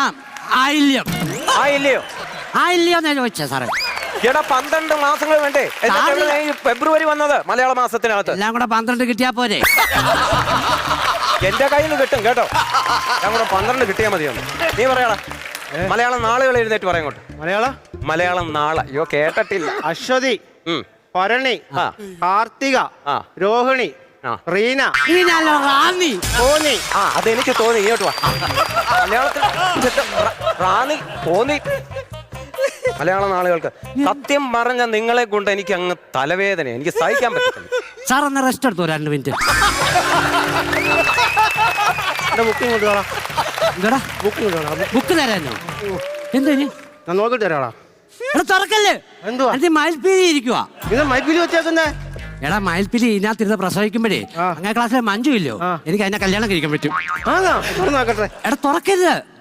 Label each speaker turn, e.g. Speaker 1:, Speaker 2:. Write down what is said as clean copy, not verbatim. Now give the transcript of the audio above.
Speaker 1: ആയില്യം.
Speaker 2: ആയില്ലയോ?
Speaker 1: ആയില്യോന്നാ ചോദിച്ചേ സാറേ.
Speaker 2: എടാ 12 മാസങ്ങൾ വേണ്ടേ? എന്നിട്ടാണ് ഈ ഫെബ്രുവരി വന്നത് മലയാള മാസത്തിനകത്ത്.
Speaker 1: എല്ലാം കൂടെ 12 കിട്ടിയാ പോരെ?
Speaker 2: എന്റെ കയ്യിൽ നിന്ന് കിട്ടും കേട്ടോ. ഞാൻ കൂടെ 12 കിട്ടിയാൽ മതിയൊന്ന്. നീ പറയാടാ മലയാളം നാളുകൾ എഴുന്നേറ്റ് പറയാം കൊണ്ട്. മലയാളം നാളെ. അയ്യോ കേട്ടിട്ടില്ല.
Speaker 3: അശ്വതി, ഭരണി, കാർത്തിക, രോഹിണി, റീന,
Speaker 1: റാന്നി.
Speaker 3: കോന്നി.
Speaker 2: അതെനിക്ക് തോന്നി. ഇങ്ങോട്ട് വാ. മലയാളത്തിൽ റാന്നി, കോന്നി. മലയാള നാളുകൾക്ക് സത്യം പറഞ്ഞ നിങ്ങളെ കൊണ്ട് എനിക്ക് അങ്ങ് തലവേദന. എനിക്ക് സഹിക്കാൻ പറ്റില്ല.
Speaker 1: സാർ ഒന്ന് റെസ്റ്റ് എടുത്തോ 2 മിനിറ്റ്.
Speaker 3: ബുക്കിംഗ് കൊണ്ടുപോകാം.
Speaker 1: എന്താടാ ബുക്ക് തരാനോ? എന്തിന്?
Speaker 3: ഞാൻ നോക്കിട്ട് തരാടാ.
Speaker 1: എടാ തുറക്കല്ലേ.
Speaker 3: എന്തുവാ
Speaker 1: മയിൽപ്പീലി ഇരിക്കുവാ.
Speaker 3: ഇത് മൈപ്പിലി വെച്ചേക്കുന്നേ.
Speaker 1: എടാ മയിൽപ്പീലി ഇതിനകത്തിരുന്ന് പ്രസവിക്കുമ്പോഴേ അങ്ങനെ ക്ലാസ്സിലെ മഞ്ജു ഇല്ലോ, എനിക്ക് അതിനെ കല്യാണം കഴിക്കാൻ പറ്റും.
Speaker 3: നോക്കട്ടെ.
Speaker 1: എടാ തുറക്കരുത്.